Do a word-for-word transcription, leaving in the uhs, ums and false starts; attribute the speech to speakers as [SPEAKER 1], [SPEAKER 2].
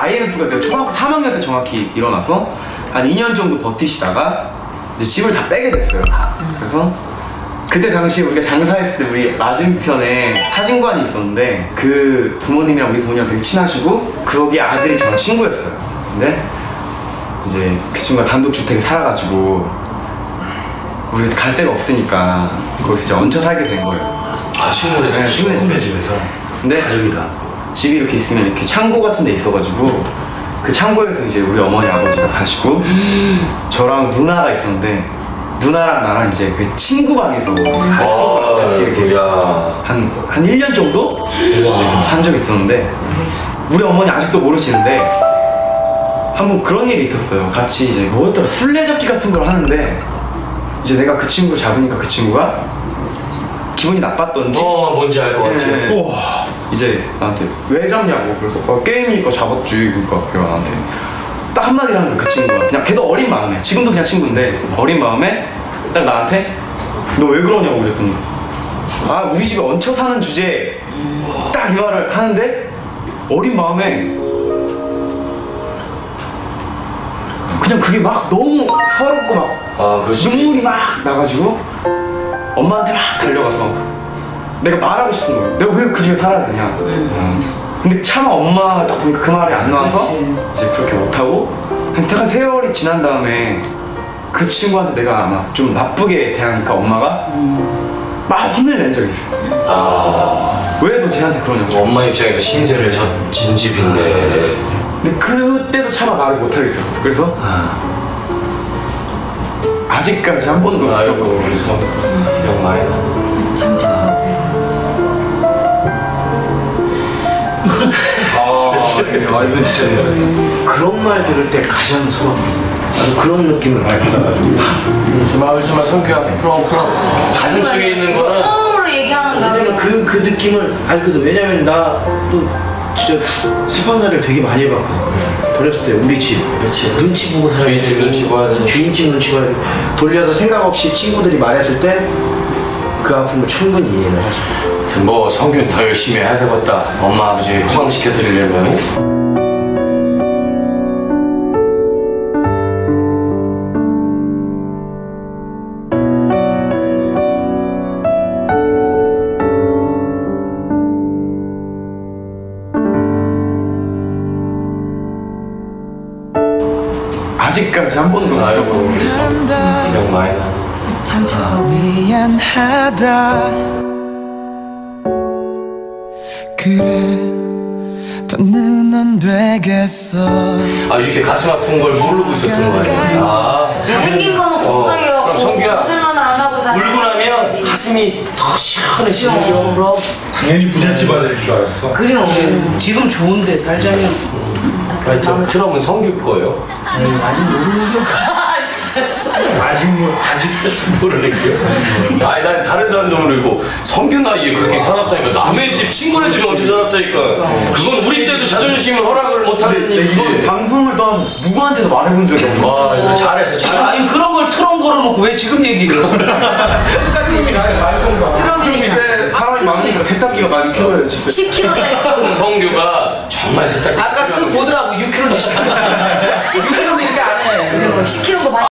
[SPEAKER 1] 아이엠에프가 내가 초등학교 삼 학년 때 정확히 일어나서 한 이 년 정도 버티시다가 이제 집을 다 빼게 됐어요. 다. 그래서 그때 당시 우리가 장사했을 때 우리 맞은편에 사진관이 있었는데 그 부모님이랑 우리 부모님이랑 되게 친하시고 거기 아들이 저랑 친구였어요. 근데 이제 그 친구가 단독주택에 살아가지고 우리가 갈 데가 없으니까 거기서 이제 얹혀 살게 된 거예요.
[SPEAKER 2] 아, 친구네 집,
[SPEAKER 1] 네,
[SPEAKER 2] 친구네 집에서.
[SPEAKER 1] 근데
[SPEAKER 2] 가족이다.
[SPEAKER 1] 집이 이렇게 있으면 이렇게 창고 같은 데 있어가지고 그 창고에서 이제 우리 어머니 아버지가 사시고 저랑 누나가 있었는데 누나랑 나랑 이제 그 친구 방에서 같이,
[SPEAKER 2] 아,
[SPEAKER 1] 같이 이렇게 한, 한 일 년 정도 이제 산 적이 있었는데 우리 어머니 아직도 모르시는데 한번 그런 일이 있었어요. 같이 이제 뭐였더라 술래잡기 같은 걸 하는데 이제 내가 그 친구를 잡으니까 그 친구가 기분이 나빴던지
[SPEAKER 2] 어, 뭔지 알 것 같아.
[SPEAKER 1] 네. 이제 나한테 왜 잡냐고. 그래서 어, 게임이니까 잡았지. 그러니까 걔가 나한테 딱 한마디 하는 거야. 그 친구가 그냥 걔도 어린 마음에 지금도 그냥 친구인데 어린 마음에 딱 나한테 너 왜 그러냐고 그랬더니 아 우리 집에 얹혀 사는 주제에 딱 이 말을 하는데 어린 마음에 그냥 그게 막 너무 서럽고 막
[SPEAKER 2] 아,
[SPEAKER 1] 눈물이 막 나가지고 엄마한테 막 달려가서 내가 말하고 싶은 거예요. 내가 왜 그 집에 살아야 되냐. 음. 근데 차마 엄마 딱 보니까 그 말이 안 나와서 그렇지. 이제 그렇게 못하고 한 세월이 지난 다음에 그 친구한테 내가 아마 좀 나쁘게 대하니까 엄마가 음. 막 혼을 낸 적이 있어요. 아. 왜 너 쟤한테 그러냐고.
[SPEAKER 2] 엄마 입장에서 신세를 진 집인데.
[SPEAKER 1] 근데 그때도 차마 말을 못하겠더라고. 그래서 아직까지 한 번도
[SPEAKER 2] 아이고 그래서 기억 많이 나.
[SPEAKER 3] 아, 이건 진짜 그런 말 들을 때 가장 소름돋았어요. 나도 그런 느낌을 많이 받아가지고.
[SPEAKER 2] 울지마 울지마 성규야 풀어 풀어. 가슴 속에 있는 거는
[SPEAKER 4] 처음으로 얘기하는
[SPEAKER 3] 왜냐면 그, 그 느낌을 알거든. 왜냐면 나 또 진짜 세판살이를 되게 많이 해봤거든. 어렸을 때 우리 집
[SPEAKER 2] 그렇지.
[SPEAKER 3] 눈치 보고 살아야
[SPEAKER 2] 주인집
[SPEAKER 3] 되고,
[SPEAKER 2] 눈치 봐야 되고
[SPEAKER 3] 주인집 눈치 봐야 되고 돌려서 생각 없이 친구들이 말했을 때 그 아픔을 충분히 이해를 하죠.
[SPEAKER 2] 하여튼 뭐 성규는 더 열심히 해야 되겠다. 엄마 아버지 호강시켜 드리려면.
[SPEAKER 1] 아직까지 한 번도
[SPEAKER 2] 아이고 기억 많이 나.
[SPEAKER 5] 미안하다 그래 더는 안 되겠어.
[SPEAKER 2] 아 이렇게 가슴 아픈 걸 모르고 있었던 거 아니야? 아
[SPEAKER 4] 생긴 거는 곱상이어갖고
[SPEAKER 2] 어, 그럼 성규야
[SPEAKER 4] 고생은 안 하고 살아.
[SPEAKER 2] 울고 나면 가슴이 더 시원해지는 거.
[SPEAKER 4] 그럼
[SPEAKER 3] 당연히 부잣집 아들일 줄 알았어.
[SPEAKER 4] 그래요.
[SPEAKER 3] 지금 좋은데 살자면
[SPEAKER 2] 하여튼 트럼은 성규 거예요.
[SPEAKER 3] 아직 모르는 게 아직 뭐 아직
[SPEAKER 2] 모르는 게. 아니 난 다른 사람도 모르고 성규 나이에 그렇게 살았다니까. 남의 집 친구네 집에 얹혀 살았다니까. 그건 우리 때도 자존심을 허락을 못하는 일이지.
[SPEAKER 1] 이거 방송을 떠나서 누구한테도 말해본 적이 없는 거야.
[SPEAKER 2] 와 이거 잘했어 잘했어.
[SPEAKER 3] 아니 그런 걸 트럼 걸어놓고 왜 지금 얘기해요? 끝까지 얘기 안 해. 말던가.
[SPEAKER 4] 트럼이
[SPEAKER 1] 집에 사람이 많으니까 세탁기가 많이 필요해요 집에.
[SPEAKER 4] 십 킬로그램짜리
[SPEAKER 2] 성규가 정말 세상.
[SPEAKER 3] 아까 쓱 보더라고 육 킬로그램 육 킬로그램 이렇게 안 해.
[SPEAKER 4] 그리고 십 킬로그램